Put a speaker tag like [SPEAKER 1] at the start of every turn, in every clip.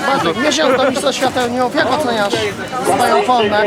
[SPEAKER 1] Bartek, miesiąc do Mistrzostw Świata Juniorów, jak oceniasz swoją formę?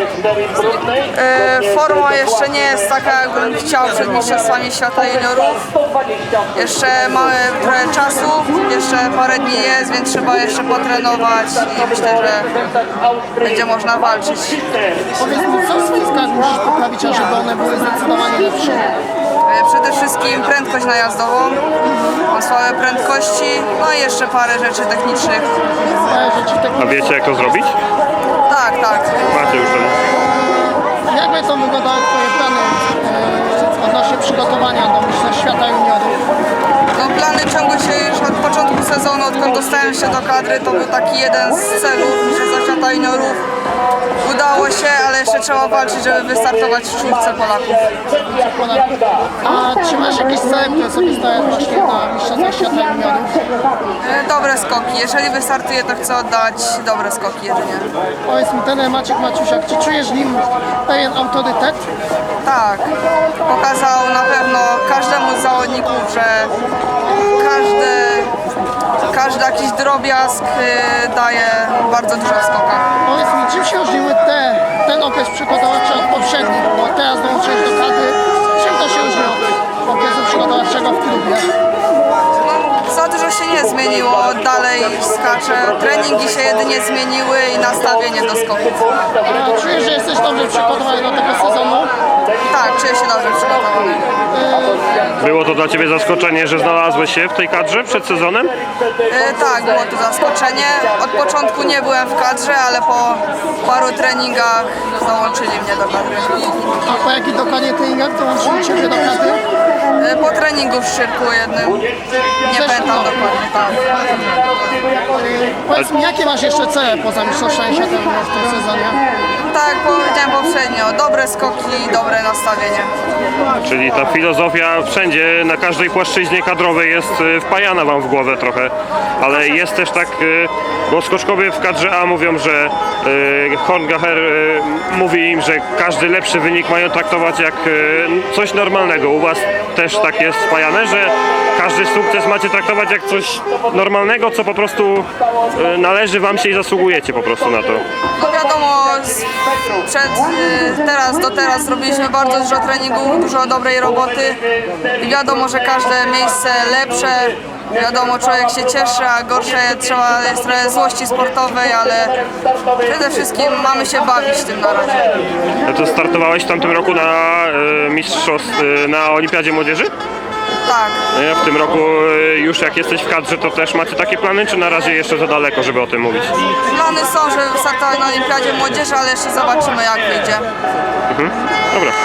[SPEAKER 2] Forma jeszcze nie jest taka, jakbym chciał przed Mistrzostwami Świata Juniorów. Jeszcze mamy trochę czasu, jeszcze parę dni jest, więc trzeba jeszcze potrenować i myślę, że będzie można walczyć.
[SPEAKER 1] Powiedz mi, co w spiskach musisz poprawić, ażeby one były zdecydowanie lepsze?
[SPEAKER 2] Przede wszystkim prędkość najazdową, mam słabe prędkości, no i jeszcze parę rzeczy technicznych.
[SPEAKER 3] A wiecie, jak to zrobić?
[SPEAKER 2] Tak.
[SPEAKER 3] Macie już ten.
[SPEAKER 1] Jak będą wyglądały Twoje plany odnośnie przygotowania do Mistrzostw Świata Juniorów?
[SPEAKER 2] No, plany ciągły się już od początku sezonu, odkąd dostałem się do kadry, to był taki jeden z celów Mistrzostw Świata Juniorów. Udało się, ale jeszcze trzeba walczyć, żeby wystartować w czwórce Polaków.
[SPEAKER 1] A czy masz jakieś cele, które sobie stawiasz właśnie na Mistrzostwach Świata Juniorów?
[SPEAKER 2] Dobre skoki. Jeżeli wystartuję, to chcę oddać dobre skoki jedynie.
[SPEAKER 1] Powiedz mi, trener Maciek Maciusiak, czy czujesz w nim pewien autorytet?
[SPEAKER 2] Tak, pokazał na pewno każdemu z zawodników, że każdy jakiś drobiazg daje bardzo dużo w skokach.
[SPEAKER 1] Powiedz mi, czym się różniły ten okres przygotowawczy od poprzednich? Bo teraz dołączyłeś do kadry. Czym to się różni od okresu przygotowawczego w klubie?
[SPEAKER 2] Za dużo się nie zmieniło, dalej skaczę. Treningi się jedynie zmieniły i nastawienie do skoków.
[SPEAKER 1] A czujesz, że jesteś dobrze przygotowany do tego sezonu?
[SPEAKER 2] Tak, czuję się dobrze przygotowany.
[SPEAKER 3] Było to dla Ciebie zaskoczenie, że znalazłeś się w tej kadrze przed sezonem?
[SPEAKER 2] Tak, było to zaskoczenie. Od początku nie byłem w kadrze, ale po paru treningach załączyli mnie do kadry.
[SPEAKER 1] A po jakich dokładnie treningach dołączyli Ciebie do kadry?
[SPEAKER 2] Po treningu w Szczyrku jednym. Nie pamiętam dokładnie, tak.
[SPEAKER 1] Powiedz mi, jakie masz jeszcze cele poza Mistrzostwami Świata Juniorów w tym sezonie?
[SPEAKER 2] Tak, powiedziałem poprzednio, dobre skoki i dobre nastawienie.
[SPEAKER 3] Czyli ta filozofia wszędzie, na każdej płaszczyźnie kadrowej jest wpajana Wam w głowę trochę, ale jest też tak, bo skoczkowie w kadrze A mówią, że Horngacher mówi im, że każdy lepszy wynik mają traktować jak coś normalnego. U Was też tak jest wpajane, że każdy sukces macie traktować jak coś normalnego, co po prostu należy Wam się i zasługujecie po prostu na to.
[SPEAKER 2] No wiadomo, do teraz zrobiliśmy bardzo dużo treningów, dużo dobrej roboty i wiadomo, że każde miejsce lepsze, wiadomo, człowiek się cieszy, a gorsze jest trochę złości sportowej, ale przede wszystkim mamy się bawić tym na razie.
[SPEAKER 3] A to startowałeś w tamtym roku na na Olimpiadzie Młodzieży?
[SPEAKER 2] Tak.
[SPEAKER 3] W tym roku już jak jesteś w kadrze, to też macie takie plany, czy na razie jeszcze za daleko, żeby o tym mówić?
[SPEAKER 2] Plany są, żeby wystartować na Olimpiadzie Młodzieży, ale jeszcze zobaczymy, jak wyjdzie.
[SPEAKER 3] Dobra.